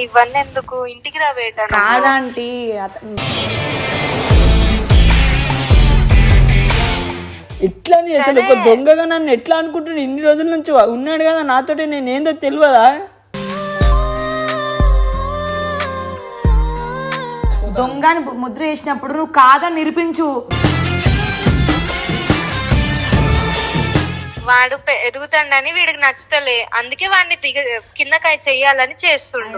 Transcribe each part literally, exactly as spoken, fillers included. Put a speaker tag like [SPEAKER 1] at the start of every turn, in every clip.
[SPEAKER 1] ఇవన్నీ ఎందుకు, ఇంటికి రా బేటా.
[SPEAKER 2] కాదంటీ
[SPEAKER 3] ఎట్లా అసలు ఒక దొంగగా నన్ను ఎట్లా అనుకుంటున్నా? ఇన్ని రోజుల నుంచి ఉన్నాడు కదా నాతోటి, నేను ఏందో తెలియదా?
[SPEAKER 2] దొంగని ముద్ర వేసినప్పుడు నువ్వు కాదని నిరూపించు.
[SPEAKER 1] వాడు ఎదుగుతాడని వీడికి నచ్చుతలే, అందుకే వాడిని దిగ కిందకాయ చెయ్యాలని చేస్తుండు.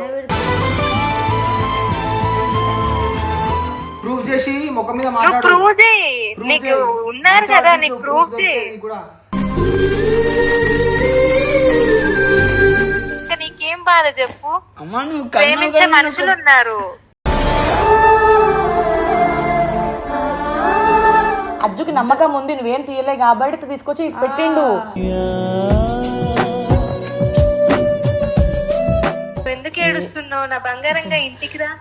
[SPEAKER 4] ప్రూఫ్ చేసి ముఖం మీద
[SPEAKER 1] నువ్వు ప్రూవ్ చేయి, నీకు ఉన్నారు కదా, నీకు ప్రూఫ్ చేయి. ఇంకా నీకేం బాధ చెప్పు?
[SPEAKER 3] అమ్మా నువ్వు
[SPEAKER 1] ప్రేమించే మనుషులు ఉన్నారు.
[SPEAKER 2] అజ్జుకి నమ్మకం ఉంది, నువ్వేం తీయలే కాబట్టి తీసుకొచ్చి పెట్టిండు.
[SPEAKER 1] ఎందుకు ఏడుస్తున్నావు? నా బంగారంగా ఇంటికి రా.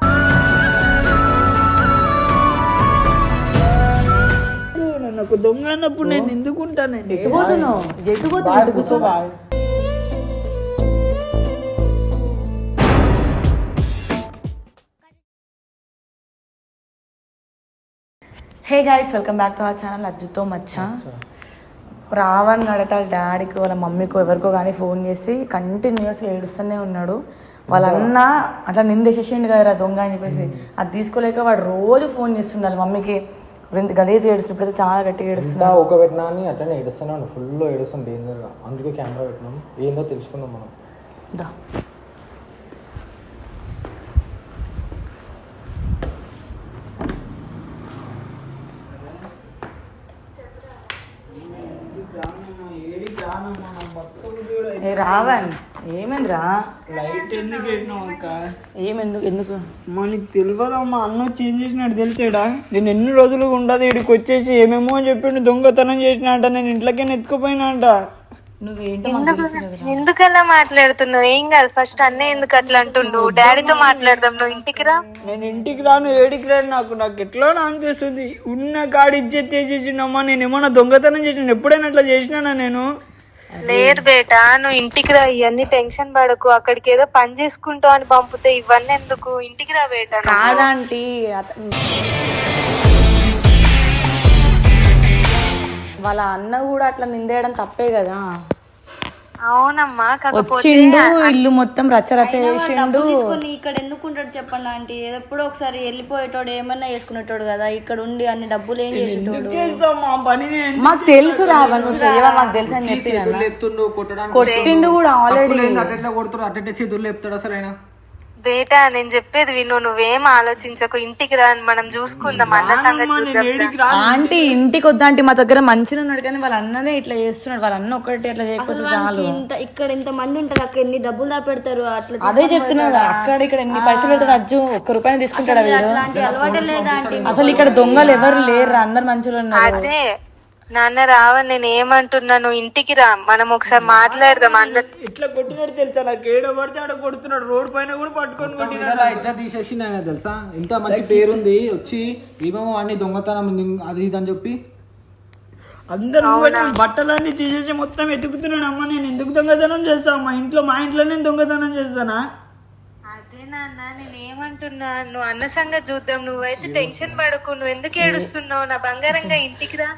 [SPEAKER 3] నాకు దొంగ అన్నప్పుడు నేను ఎందుకుంటాను?
[SPEAKER 2] ఎట్టుపోతున్నావు ఎట్టుపోతున్నావు hey guys, welcome back to our channel అజ్జుతో మచ్చ. రావణ్ గడట వాళ్ళ డాడీకి వాళ్ళ మమ్మీకో ఎవరికో కానీ ఫోన్ చేసి కంటిన్యూస్గా ఏడుస్తూనే ఉన్నాడు. వాళ్ళ అన్న అట్లా నిందేసేసిండు కదరా దొంగ అని చెప్పేసి, అది తీసుకోలేక వాడు రోజు ఫోన్ చేస్తుండే వాళ్ళ మమ్మీకి. గలీజ్ ఏడుస్తుంది, ఇప్పుడైతే చాలా గట్టిగా ఏడుస్తుంది.
[SPEAKER 4] ఒక పెట్టినా అని అట్లనే ఏడుస్తున్నాను, ఫుల్ ఏడుస్తుంది డేంజర్గా. అందుకే కెమెరా పెట్టినాం, ఏందో తెలుసుకుందాం మనం.
[SPEAKER 2] దా రావణ్ ఏమైందిరా?
[SPEAKER 3] లైట్ ఎందుకు పెట్టినావు అక్క?
[SPEAKER 2] ఏమెందుకు ఎందుకు
[SPEAKER 3] అమ్మా నీకు తెలియదమ్మా, అన్న చేంజ్ చేసినాడు తెలిసాడా? నేను ఎన్ని రోజులుగా ఉండదు ఇక్కడికి వచ్చేసి ఏమేమో చెప్పిండు, దొంగతనం చేసిన అంట, నేను ఇంట్లోకే ఎత్తుకుపోయినా అంట.
[SPEAKER 1] ఎందుకలా మాట్లాడుతున్నావు? ఏం కాదు, ఫస్ట్ అన్నయ్య ఎందుకు అట్లా అంటుండు? డాడీతో మాట్లాడదాం, నువ్వు ఇంటికి రా.
[SPEAKER 3] నేను ఇంటికి రాను, ఏడికి రాను, నాకు నాకు ఎట్లా అనిపిస్తుంది. ఉన్న కాడి ఇజ్జత్ చేసేసిండమ్మా. నేను ఏమన్నా దొంగతనం చేసిన? ఎప్పుడైనా అట్లా చేసినానా నేను?
[SPEAKER 1] లేదు బేటా, నువ్వు ఇంటికి రా. ఇవన్నీ టెన్షన్ పడకు, అక్కడికి ఏదో పని చేసుకుంటావు అని పంపితే ఇవన్నీ ఎందుకు, ఇంటికి రా బేటా.
[SPEAKER 2] కాదంటీ వాళ్ళ అన్న కూడా అట్లా నిందేయడం తప్పే కదా.
[SPEAKER 1] అవునమ్మా,
[SPEAKER 2] వచ్చిండు ఇల్లు మొత్తం రచ్చ రచ్చ చేసిండు.
[SPEAKER 5] ఇక్కడ ఎందుకు ఉంటాడు చెప్పండి ఆంటీ? ఎప్పుడో ఒకసారి వెళ్ళిపోయేటోడు, ఏమన్నా వేసుకునేటోడు కదా. ఇక్కడ ఉండి అన్ని డబ్బులు ఏం చేసేటోడు?
[SPEAKER 2] మాకు తెలుసు రావా, నువ్వు చేయవా, మాకు తెలుసు అని చెప్పి కొట్టిండు కూడా ఆల్రెడీ.
[SPEAKER 4] అట్లా కొడుతాడు, అట్టే చేతులు లేపుతాడు అసలు ఆయన.
[SPEAKER 1] బేటా నేను చెప్పేది విను, నువ్వేం ఆలోచించకు, ఇంటికి రా, మనం చూసుకుందాం, అన్న సంగతి చూద్దాం.
[SPEAKER 2] ఆంటీ ఇంటికి వద్దా ఆంటీ, మా దగ్గర మంచిగా ఉన్నాడు కానీ వాళ్ళ అన్ననే ఇట్లా చేస్తున్నాడు. వాళ్ళ అన్న ఒకటి అట్లా చేయకపోతే చాలు.
[SPEAKER 5] ఇంత ఇక్కడ ఇంత మంది ఉంటారు, అక్కడ ఎన్ని డబ్బులు దాపెడతారు. అట్లా
[SPEAKER 2] అదే చెప్తున్నాడు, అక్కడ ఇక్కడ ఎన్ని పైసలు పెడతాడు అజ్జు, ఒక్క రూపాయలు తీసుకుంటాడు వీడు.
[SPEAKER 5] అలవాటే లేదా ఆంటీ?
[SPEAKER 2] అసలు ఇక్కడ దొంగలు ఎవరు లేరు, అందరు మంచిగా ఉన్నారు.
[SPEAKER 1] అదే నాన్న రావని నేను ఏమంటున్నాను, ఇంటికి రా, మనం ఒకసారి మాట్లాడదాం. అన్న
[SPEAKER 3] ఇట్లా కొట్టినాడు తెలుసా, నాకు ఏడో పడితే ఆడ కొడుతున్నాడు, రోడ్ పైన కూడా పట్టుకొని
[SPEAKER 4] ఎట్లా తీసేసి ఆయన తెలుసా? ఇంత మంచి పేరుంది, వచ్చి ఏమేమో అన్ని దొంగతనం అది ఇది అని చెప్పి
[SPEAKER 3] అందరూ బట్టలన్నీ తీసేసి మొత్తం ఎతుకుతున్నాడు. అమ్మ నేను ఎందుకు దొంగతనం చేస్తా? మా ఇంట్లో మా ఇంట్లో నేను దొంగతనం చేస్తానా?
[SPEAKER 1] అదే నాన్న నేను ఏమంటున్నా, నువ్వు అన్న సంగతి చూద్దాం, నువ్వైతే టెన్షన్ పడకు, నువ్వు ఎందుకు ఏడుస్తున్నావు? నా బంగారంగా ఇంటికి రా.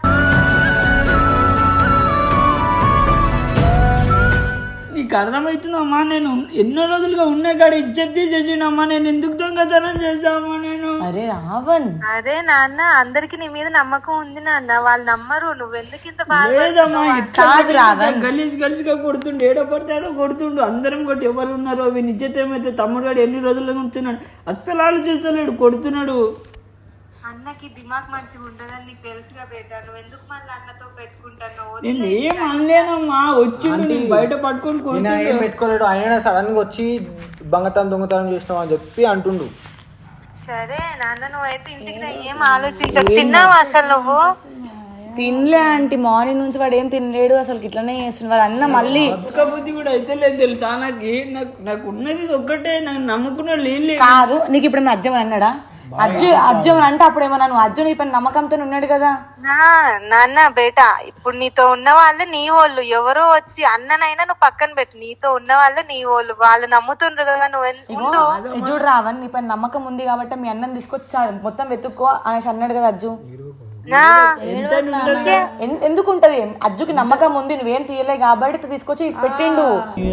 [SPEAKER 1] నీకు అర్థమవుతుందమ్మా, నేను ఎన్నో రోజులుగా ఉన్న కాడ ఇజ్జత్ చేసినమ్మా, నేను ఎందుకు దొంగతనం చేసామా నేను?
[SPEAKER 2] అరే రావణ్,
[SPEAKER 1] అరే నాన్న అందరికి నీ మీద నమ్మకం ఉంది నాన్న, వాళ్ళు నమ్మరు, నువ్వెందుకు ఇంత బాధ?
[SPEAKER 3] లేదమ్మా, గలీజ్ గలీజ్ గా కొడుతుండు, ఏడో పడితే ఆడో కొడుతుండు, అందరం కొట్టి ఎవరు ఉన్నారు అవి నిజత ఏమైతే తమ్ముడు గారు ఎన్ని రోజులుగా ఉంటున్నాడు, అస్సలు ఆలోచిస్తలేడు, కొడుతున్నాడు.
[SPEAKER 1] అన్నకి దిమాగ్ మంచిగా ఉండదని నీకు తెలుసుగా బేటా, నువ్వు ఎందుకు మళ్ళీ అన్నతో పెట్టుకుంటాను?
[SPEAKER 3] నేను ఏం అనలేనమ్మా, వచ్చి బయట పట్టుకొని
[SPEAKER 4] ఏం పెట్టుకోలేడు. ఆయన సడన్ గా వచ్చి దొంగతనం దొంగతనం చేసినావు అని చెప్పి అంటుండు.
[SPEAKER 1] సరే నాన్న నువ్వైతే ఇంటికి రా, ఏం ఆలోచించకు. తిన్నావా అసలు నువ్వు?
[SPEAKER 2] తినలే ఆంటీ, మార్నింగ్ నుంచి వాడు ఏం తినలేడు, అసలు ఇట్లనే చేస్తున్నాడు. వాడు అన్న మళ్ళీ
[SPEAKER 3] బుద్ధి కూడా అయితే లేదు తెలుసా, నాకు నాకు ఉన్నది ఒక్కటే, నాకు నమ్ముకున్న లేదు
[SPEAKER 2] కాదు. నీకు ఇప్పుడు అజ్జం అన్నాడా? అజ్జు అజ్జు అని అంటే అప్పుడు ఏమన్నా నువ్వు అజ్జు నీ పైన నమ్మకంతో ఉన్నాడు కదా.
[SPEAKER 1] నా నాన్న బేటా ఇప్పుడు నీతో ఉన్న వాళ్ళు నీ వాళ్ళు, ఎవరో వచ్చి అన్ననైనా నువ్వు పక్కన పెట్టు, నీతో ఉన్న వాళ్ళు నీ వాళ్ళు, వాళ్ళు నమ్ముతుండ్రు కదా నువ్వు ఉండు.
[SPEAKER 2] చూడు రావన్ నీ పైన నమ్మకం ఉంది కాబట్టి మీ అన్నని తీసుకొచ్చి మొత్తం వెతుక్కో అనేసి అన్నాడు కదా అజ్జు. ఎందుకు ఉంటది, అజ్జుకి నమ్మకం ఉంది నువ్వేం తీయలే కాబట్టి తీసుకొచ్చి పెట్టిండు.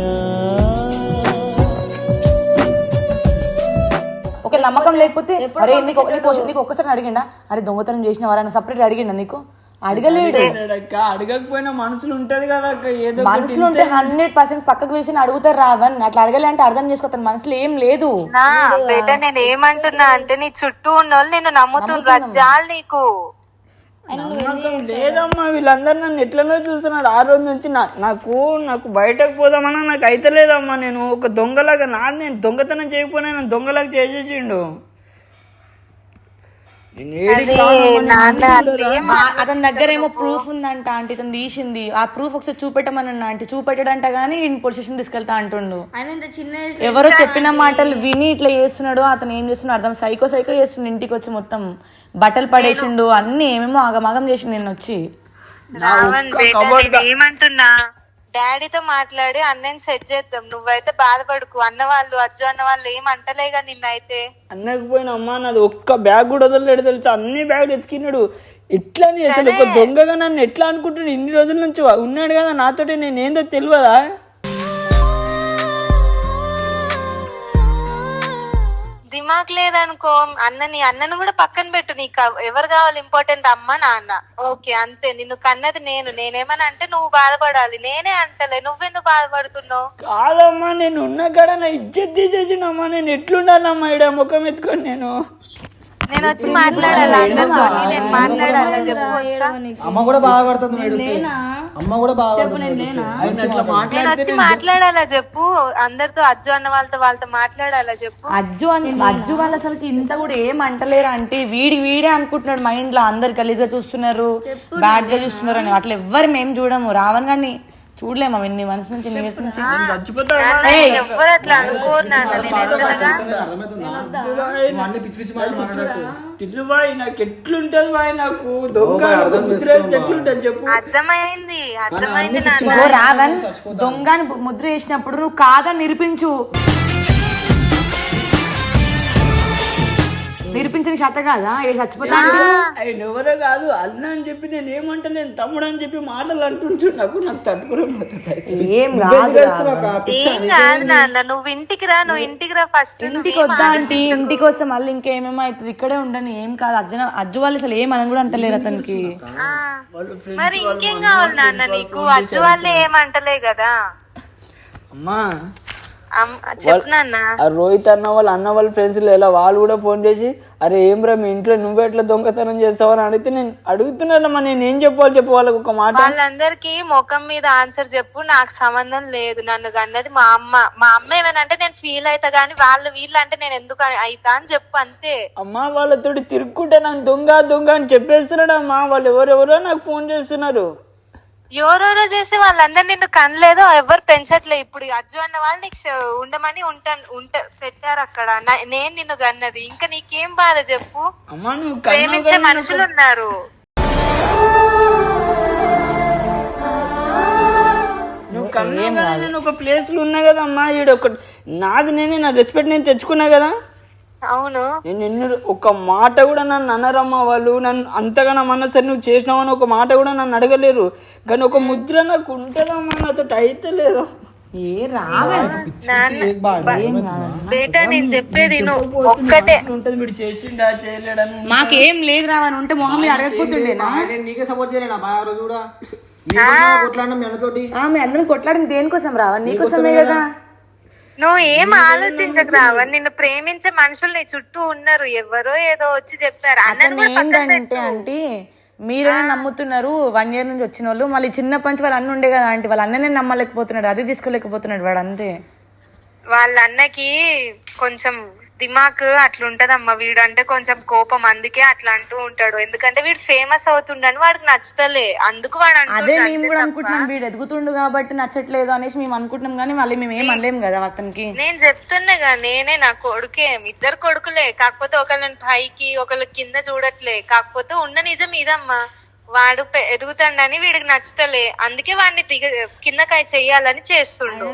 [SPEAKER 2] ఒక నమ్మకం లేకపోతే అరే నీకు నీకు ఒక్కసారి అడిగిండా అరే దొంగతనం చేసిన వారా సపరేట్ అడిగిండా నీకు? అడగలేడు.
[SPEAKER 3] అడగకపోయినా మనసులు ఉంటది కదా ఏదో
[SPEAKER 2] మనసులు ఉంటే హండ్రెడ్ పర్సెంట్ పక్కకు వేసి అడుగుతారు రావన్. అట్లా అడగలే అంటే అర్థం చేసుకోతాను మనసులో ఏం లేదు.
[SPEAKER 1] నా బేటా నేను ఏమంటున్నా అంటే నీ చుట్టూ ఉన్న వాళ్ళు నేను నమ్ముతున్నా జాలు నీకు
[SPEAKER 3] నమ్మకం లేదమ్మా. వీళ్ళందరూ నన్ను ఎట్లనో చూస్తున్నారు ఆ రోజు నుంచి. నాకు నాకు బయటకు పోదామన్నా నాకు అయితే లేదమ్మా. నేను ఒక దొంగలాగా నా నేను దొంగతనం చేయకపోయినా నేను దొంగలాగా చేసేసిండు.
[SPEAKER 2] అతని దగ్గర ఏమో ప్రూఫ్ ఉందంట ఆంటీ, తను తీసింది. ఆ ప్రూఫ్ ఒకసారి చూపెట్టమని ఆంటీ చూపెట్టాడంట గానీ పోలీస్ స్టేషన్ తీసుకెళ్తా అంటుండు. ఎవరో చెప్పిన మాటలు విని ఇట్లా చేస్తున్నాడు. అతను ఏం చేస్తున్నాడు అర్థం సైకో సైకో చేస్తుండు. ఇంటికి వచ్చి మొత్తం బట్టలు పడేసిండు, అన్ని ఏమేమో ఆగమాగం చేసిండు. నేను వచ్చి
[SPEAKER 1] ఏమంటున్నా డాడీతో మాట్లాడి అన్నని సెట్ చేద్దాం, నువ్వైతే బాధపడుకు. అన్న వాళ్ళు అజ్జు అన్న వాళ్ళు ఏమంటలేగా నిన్నైతే.
[SPEAKER 3] అన్నకు పోయిన అమ్మా నాది ఒక్క బ్యాగ్ కూడా వదలలేడు తెలుసా. అన్ని బ్యాగులు ఎత్తుకిన్నాడు. ఎట్లా అసలు ఒక దొంగగా నన్ను ఎట్లా అనుకుంటున్నాడు? ఇన్ని రోజుల నుంచి ఉన్నాడు కదా నాతోటి, నేను ఏందో తెలియదా?
[SPEAKER 1] దిమాగ్ లేదనుకో అన్నని అన్నను కూడా పక్కన పెట్టు. నీకు ఎవరు కావాలి ఇంపార్టెంట్, అమ్మ నాన్న, ఓకే అంతే. నిన్ను కన్నది నేను. నేనేమని అంటే నువ్వు బాధపడాలి, నేనే అంటలే. నువ్వెందుకు బాధపడుతున్నావు?
[SPEAKER 3] కాదమ్మా నేను ఉన్న కాడ నా ఇజ్జత్ తీసేసినమ్మా. నేను ఎట్లుండాలమ్మా ఈడ ముఖం ఎత్తుకొని? నేను
[SPEAKER 1] నేను వచ్చి మాట్లాడాలి అందరితో, నేను మాట్లాడాలి చెప్పు.
[SPEAKER 4] అమ్మ కూడా బాధపడుతుంది, అమ్మ కూడా బాధపడుతుంది.
[SPEAKER 1] నేను వచ్చి మాట్లాడాలా చెప్పు అందరితో, అజ్జు అన్న వాళ్ళతో వాళ్ళతో మాట్లాడాలా చెప్పు.
[SPEAKER 2] అజ్జు అని అజ్జు వాళ్ళు అసలు ఇంత కూడా ఏం అంటలేరు అంటే వీడి వీడే అనుకుంటున్నాడు మైండ్ లో. అందరు గలీజ్గా చూస్తున్నారు, బ్యాడ్ గా చూస్తున్నారు అని. అట్లా ఎవ్వరు మేము చూడము. రావణ్ గారిని చూడలేమా ఎన్ని మనసు నుంచి ఎన్ని ఇయర్స్ నుంచి.
[SPEAKER 1] ఎవరు అట్లా అనుకోరు నాన్న.
[SPEAKER 3] నాకు ఎట్లుంటది బాయ్, నాకు దొంగ ఎట్లుంటది చెప్పు.
[SPEAKER 1] అర్థమైంది అర్థమైంది
[SPEAKER 2] రావణ్ దొంగని ముద్ర వేసినప్పుడు నువ్వు కాదని నిరూపించు. నిరూపించని శాత కాదా చచ్చిపోతా.
[SPEAKER 3] ఆయన ఎవరో కాదు అన్న అని చెప్పి నేను ఏమంటా, నేను తమ్ముడు అని చెప్పి మాటలు అంటుంటున్నాకు నాకు తట్టుకోలేకపోతుంది.
[SPEAKER 2] ఏం
[SPEAKER 1] కాదు నాన్న, నువ్వు ఇంటికి రా, నువ్వు ఇంటికి రా ఫస్ట్.
[SPEAKER 2] ఇంటికి వద్దా అంటే ఇంటికి వస్తే మళ్ళీ ఇంకేమేమో అవుతుంది. ఇక్కడే ఉండని ఏం కాదు. అజ్జు అజ్జు వాళ్ళు అసలు ఏమని కూడా అంటలేరు అతనికి.
[SPEAKER 1] మరి ఇంకేం కావాలి నాన్న నీకు? అజ్జు వాళ్ళే ఏమంటలే కదా.
[SPEAKER 3] అమ్మా
[SPEAKER 1] రోహిత్
[SPEAKER 3] అన్న వాళ్ళ అన్న వాళ్ళ ఫ్రెండ్స్ ఎలా వాళ్ళు కూడా ఫోన్ చేసి అరే ఏం రా మీ ఇంట్లో నువ్వు ఎట్లా దొంగతనం చేస్తావని అడిగితే నేను అడుగుతున్నానమ్మా. నేను ఏం చెప్పాలి చెప్పు వాళ్ళకి ఒక మాట.
[SPEAKER 1] వాళ్ళందరికీ ముఖం మీద ఆన్సర్ చెప్పు, నాకు సంబంధం లేదు. నన్ను అన్నది మా అమ్మ. మా అమ్మ ఏమనంటే నేను ఫీల్ అవుతా గానీ వాళ్ళు వీళ్ళు అంటే నేను ఎందుకు అవుతా అని చెప్పు అంతే.
[SPEAKER 3] అమ్మా వాళ్ళతోటి తిరుక్కుంటే నన్ను దొంగ దొంగ అని చెప్పేస్తున్నాడు అమ్మా. వాళ్ళు ఎవరెవరో నాకు ఫోన్ చేస్తున్నారు.
[SPEAKER 1] ఎవరెవరో చేసి వాళ్ళందరూ నిన్ను కనలేదో ఎవరు పెంచట్లే. ఇప్పుడు అజ్జు అన్న వాళ్ళు నీకు ఉండమని ఉంటాను ఉంట పెట్టారు అక్కడ. నేను నిన్ను కన్నది. ఇంకా నీకేం బాధ చెప్పు? ప్రేమించే మనుషులు ఉన్నారు.
[SPEAKER 3] నువ్వు కన్నా నేను ఒక ప్లేస్ లో ఉన్నా కదా అమ్మా. ఈడ ఒక నాది నేనే నా రెస్పెక్ట్ నేను తెచ్చుకున్నా కదా.
[SPEAKER 1] అవును
[SPEAKER 3] నేను ఎన్ని ఒక మాట కూడా నన్ను అన్నారమ్మా వాళ్ళు. నన్ను అంతగా అన్నా సరే నువ్వు చేసినావని ఒక మాట కూడా నన్ను అడగలేరు. కానీ ఒక ముద్ర నాకు ఉంటుందమ్మా, నాతో అయితే లేదు.
[SPEAKER 1] బేటా నేను చెప్పేది ఒక్కటే
[SPEAKER 3] ఉంటది. మీరు చేసిండా చేయలేడని
[SPEAKER 2] మాకేం లేదు రావని ఉంటే మొహం మీద అడగకపోతుండే.
[SPEAKER 4] నీకే సపోర్ట్ చేయలేనా బాగా రోజు కూడా కొట్లాడినా మీ అన్నతోటి.
[SPEAKER 2] మీ అందరం కొట్లాడింది దేనికోసం రావని? నీకోసమే కదా.
[SPEAKER 1] నువ్వు ఏం ఆలోచించకు రావని. నిన్ను ప్రేమించే మనుషులు నీ చుట్టూ ఉన్నారు. ఎవరో ఏదో వచ్చి చెప్పారు.
[SPEAKER 2] ఏంటంటే అంటే మీరే నమ్ముతున్నారు వన్ ఇయర్ నుంచి వచ్చిన వాళ్ళు. మళ్ళీ చిన్నప్పటి నుంచి వాళ్ళు అన్న ఉండే కదా ఆంటీ, వాళ్ళ అన్ననే నమ్మలేకపోతున్నాడు, అది తీసుకోలేకపోతున్నాడు వాడు అంతే.
[SPEAKER 1] వాళ్ళ అన్నకి కొంచెం దిమాక్ అట్లుంటదమ్మా. వీడు అంటే కొంచెం కోపం, అందుకే అట్లా అంటూ ఉంటాడు. ఎందుకంటే వీడు ఫేమస్ అవుతుండని వాడికి నచ్చుతలే, అందుకు వాడు
[SPEAKER 2] అదే
[SPEAKER 1] అంటుండు
[SPEAKER 2] మేము
[SPEAKER 1] అంతే
[SPEAKER 2] కూడా
[SPEAKER 1] తప్ప.
[SPEAKER 2] అనుకుంటున్నాం వీడు ఎదుగుతుండు కాబట్టి నచ్చట్లేదు అనేసి మేము అనుకుంటున్నాం, కానీ మళ్ళీ మేము ఏం అనలేం కదా అతనికి.
[SPEAKER 1] నేను చెప్తున్నాగా, నేనే నా కొడుకే, ఇద్దరు కొడుకులే, కాకపోతే ఒకళ్ళని పైకి ఒకళ్ళ కింద చూడట్లే. కాకపోతే ఉన్న నిజం ఇదమ్మా, వాడు పె- ఎదుగుతాడని వీడికి నచ్చుతలే, అందుకే వాడిని దిగ కిందకాయ చెయ్యాలని చేస్తుండు.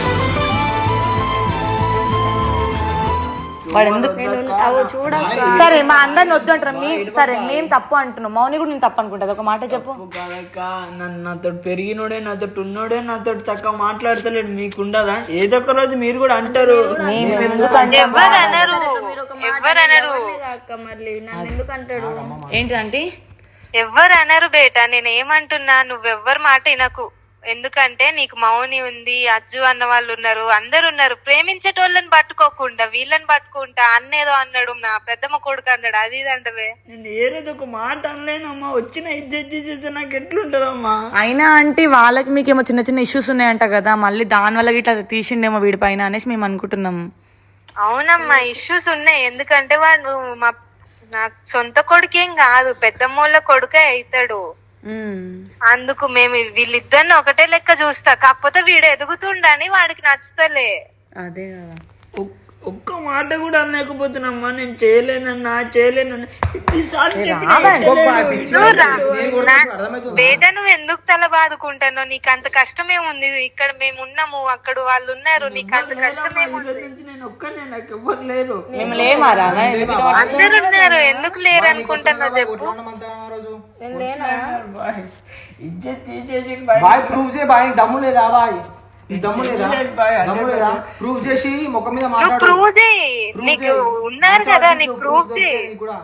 [SPEAKER 2] వాడు ఎందుకు
[SPEAKER 5] అవి చూడక్క
[SPEAKER 2] సరే మా అందరిని వద్దు అంటారు మీ సరే మేము తప్పు అంటున్నాం, మౌని కూడా నేను తప్పు అనుకుంటుంది. ఒక మాట చెప్పు.
[SPEAKER 3] కాదక్క, నన్ను నాతో పెరిగినోడే నాతో ఉన్నోడే నాతో చక్కగా మాట్లాడతలేడు, మీకు ఉండదా? ఏదో ఒక రోజు మీరు కూడా అంటారు.
[SPEAKER 2] మేము ఎందుకంటే
[SPEAKER 1] ఎవరు అనరు,
[SPEAKER 5] మీరు ఒక మాట
[SPEAKER 1] ఎవరు అనరు,
[SPEAKER 5] ఎవరిని అక్క మళ్ళీ నన్ను ఎందుకు అంటాడు?
[SPEAKER 2] ఏంటంటే
[SPEAKER 1] ఎవ్వరు అనరు బేటా. నేను ఏమంటున్నా, నువ్వెవ్వరు మాట వినకు. ఎందుకంటే నీకు మౌని ఉంది, అజ్జు అన్న వాళ్ళు ఉన్నారు, అందరు ఉన్నారు. ప్రేమించేటోళ్ళని పట్టుకోకుండా వీళ్ళని పట్టుకుంటా అన్నేదో అన్నాడు, నా పెద్దమ్మ కొడుకు అన్నాడు, అది ఇది అంటవే.
[SPEAKER 3] నేను ఏ రోజు ఒక మాట అనలేనమ్మా, వచ్చిన ఇజ్జత్ చేస్తే నాకు ఎట్లుంటదమ్మా?
[SPEAKER 2] అయినా అంటే వాళ్ళకి మీకేమో చిన్న చిన్న ఇష్యూస్ ఉన్నాయంట కదా, మళ్ళీ దాని వల్ల ఇట్లా తీసిండేమో వీడి పైన అనేసి మేము అనుకుంటున్నాం.
[SPEAKER 1] అవునమ్మా, ఇష్యూస్ ఉన్నాయి. ఎందుకంటే వాడు మా నా సొంత కొడుకేం కాదు, పెద్దమ్మోళ్ళ కొడుకే అవుతాడు. అందుకు మేము వీళ్ళిద్దరిని ఒకటే లెక్క చూస్తా. కాకపోతే వీడు ఎదుగుతుండని వాడికి నచ్చుతలే.
[SPEAKER 2] అదే కదా,
[SPEAKER 3] ఒక్- ఒక్క మాట కూడా అనలేకపోతున్నామ్మా. నేను చేయలేనన్నా చేయలేనన్నా ఎన్నిసార్లు చెప్పినా
[SPEAKER 1] నువ్వు రా- నా- బేట నువ్వు ఎందుకు తల బాదుకుంటానో, నీకు అంత కష్టమేముంది? ఇక్కడ మేము ఉన్నాము, అక్కడ వాళ్ళు ఉన్నారు, నీకు అంత కష్టమేముంది?
[SPEAKER 3] ఈరోజు నుంచి నేను ఒక్కనే, నాకు ఎవ్వరు లేరు.
[SPEAKER 2] మేము లేమారా
[SPEAKER 1] అందరు ఉన్నారు, ఎందుకు లేరు అనుకుంటున్నావు చెప్పు.
[SPEAKER 3] బాయ్, ఇజ్జత్ తీసేసి
[SPEAKER 4] బాయ్ ప్రూవ్ చేయి బాయ్, నీకు దమ్ము లేదా బాయ్? నీకు దమ్ము లేదా?
[SPEAKER 3] బాయ్
[SPEAKER 4] దమ్ము లేదా? ప్రూవ్ చేసి ముఖం మీద
[SPEAKER 1] నువ్వు
[SPEAKER 4] మాట్లాడు.
[SPEAKER 1] ప్రూవ్ చేయి, నీకు ఉన్నారు కదా, నీకు ప్రూవ్ చేయి.
[SPEAKER 4] నీకు కూడా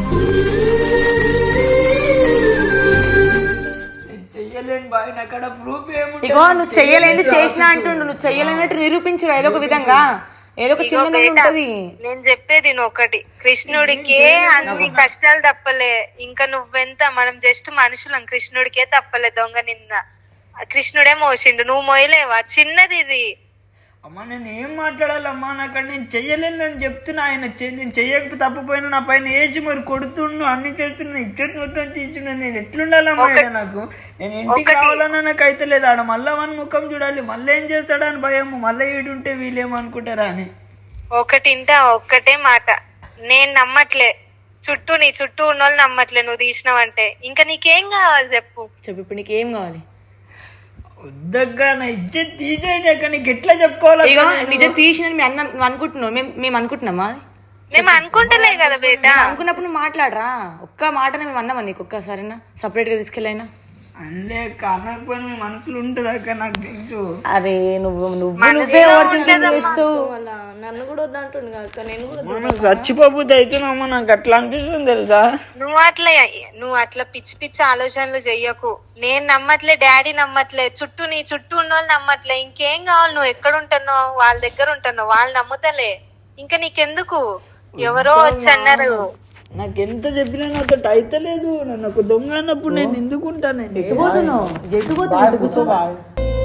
[SPEAKER 3] నేను చెయ్యలేను బాయ్, నాకు అక్కడ ప్రూఫ్ ఏముంటుంది?
[SPEAKER 2] ఇగో నువ్వు చెయ్యలేని చేసినా అంటుండు, నువ్వు చెయ్యలేనట్టు నిరూపించు ఏదో ఒక విధంగా, ఏదో ఒక చిన్న ఉంటది.
[SPEAKER 1] నేను చెప్పేది నువ్వు ఒకటి, కృష్ణుడికే అన్ని కష్టాలు తప్పలే. ఇంకా నువ్వెంత, మనం జస్ట్ మనుషులం, కృష్ణుడికే తప్పలే దొంగ నింద. కృష్ణుడే మోసిండు, నువ్వు మోయలేవా? చిన్నది ఇది.
[SPEAKER 3] అమ్మా నేను ఏం మాట్లాడాలమ్మా, నాకు నేను చెయ్యలేను అని చెప్తున్నా. ఆయన చె- నేను చెయ్యకపోతే తప్పపోయినా నా పైన వేసి మరి కొడుతుండు, అన్ని చేస్తున్నా, ఇచ్చటి మొత్తం తీసుకున్నా. నేను ఎట్లుండాలమ్మా? ఆయన నాకు, నేను ఇంటికి రావాలన్నా నాకు అయితే లేదు. ఆడ మళ్ళా వన్ ముఖం చూడాలి, మళ్ళీ ఏం చేస్తాడని భయము, మళ్ళీ ఈడుంటే వీళ్ళేమనుకుంటారా అని.
[SPEAKER 1] ఒకటింటా ఒక్కటే మాట, నేను నమ్మట్లే, చుట్టూ నీ చుట్టూ ఉన్న వాళ్ళు నమ్మట్లే నువ్వు తీసినావంటే. ఇంకా నీకేం కావాలి చెప్పు.
[SPEAKER 2] చెప్పు ఇప్పుడు నీకు ఏం కావాలి?
[SPEAKER 3] వద్దగ్గా, నా ఇజ్జత్ తీసేయండి. అక్క నీకు ఎట్లా చెప్పుకోవాలి?
[SPEAKER 2] ఇగో నిజం తీసిన మీ అన్న నువ్వు అనుకుంటున్నావు, మేము మేము అనుకుంటున్నామా?
[SPEAKER 1] మేము అనుకుంటలే కదా బేట.
[SPEAKER 2] అనుకున్నప్పుడు నువ్వు మాట్లాడరా, ఒక్క మాటనే మేము అన్నామా నీకు ఒక్కసారైనా సపరేట్ గా తీసుకెళ్ళైనా?
[SPEAKER 3] అంటే అనకపోయినా మీ మనసులో ఉంటుంది అక్క, నాకు తెలుసు.
[SPEAKER 2] అరే నువ్వు నువ్వు నువ్వే ఓవర్థింకింగ్ చేస్తావు.
[SPEAKER 5] అలా నన్ను కూడా వద్దంటుంది అక్క, నేను కూడా
[SPEAKER 3] మనం చచ్చిపోతే అవుతున్నామా, నాకు అట్లా అనిపిస్తుంది తెలుసా.
[SPEAKER 1] నువ్వు అట్లా నువ్వు అట్లా పిచ్చి పిచ్చి ఆలోచనలు చెయ్యకు. నేను నమ్మట్లే, డాడీ నమ్మట్లే, చుట్టూ నీ చుట్టూ ఉన్న వాళ్ళు నమ్మట్లే. ఇంకేం కావాలి? నువ్వు ఎక్కడ ఉంటున్నావు, వాళ్ళ దగ్గర ఉంటున్నావు, వాళ్ళు నమ్ముతలే. ఇంకా నీకెందుకు? ఎవరో వచ్చి అన్నారు.
[SPEAKER 3] నాకు ఎంత చెప్పినా నాతో అయితే లేదు. నన్ను ఒక దొంగ అన్నప్పుడు నేను ఎందుకు ఉంటాను?
[SPEAKER 2] ఎటుపోతున్నావు?
[SPEAKER 4] బాయ్
[SPEAKER 2] ఎటుపోతున్నావు?
[SPEAKER 4] కూర్చో బాయ్.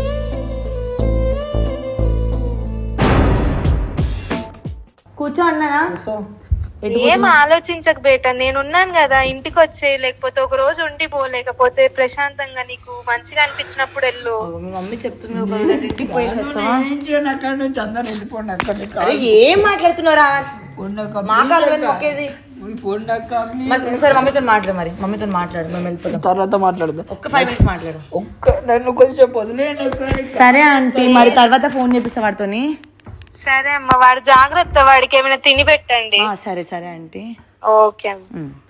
[SPEAKER 2] కూర్చో అన్నానా?
[SPEAKER 4] కూర్చో.
[SPEAKER 1] ఏం ఆలోచించక బేట, నేనున్నాను కదా, ఇంటికి వచ్చే, లేకపోతే ఒక రోజు ఉండి పో, లేకపోతే ప్రశాంతంగా నీకు మంచిగా అనిపించినప్పుడు వెళ్ళు.
[SPEAKER 2] మీ మమ్మీ చెప్తుంది ఒక రోజు ఇంటికి పోయేసేస్తావా?
[SPEAKER 3] ఏం చేయను, అక్కడ నుంచి అందరు వెళ్ళిపోండి. అక్కడ
[SPEAKER 2] అరే ఏం మాట్లాడుతున్నారా? మా కాలు ఒకేది.
[SPEAKER 3] ఫోన్ అక్క
[SPEAKER 2] సరే మమ్మీతో మాట్లాడు, మరి మమ్మీతో మాట్లాడు, మేము వెళ్ళిపోతాం.
[SPEAKER 3] తర్వాత మాట్లాడదాం.
[SPEAKER 2] ఒక్క ఫైవ్ మినిట్స్ మాట్లాడు.
[SPEAKER 3] ఒక్క నన్ను కొంచెం వదిలేను.
[SPEAKER 2] సరే ఆంటీ, మరి తర్వాత ఫోన్ చేపిస్తా వాడితోని.
[SPEAKER 1] సరే అమ్మ, వాడు జాగ్రత్త, వాడికి ఏమైనా తిని పెట్టండి.
[SPEAKER 2] సరే సరే ఆంటీ.
[SPEAKER 1] ఓకే అమ్మ.
[SPEAKER 2] ఉమ్.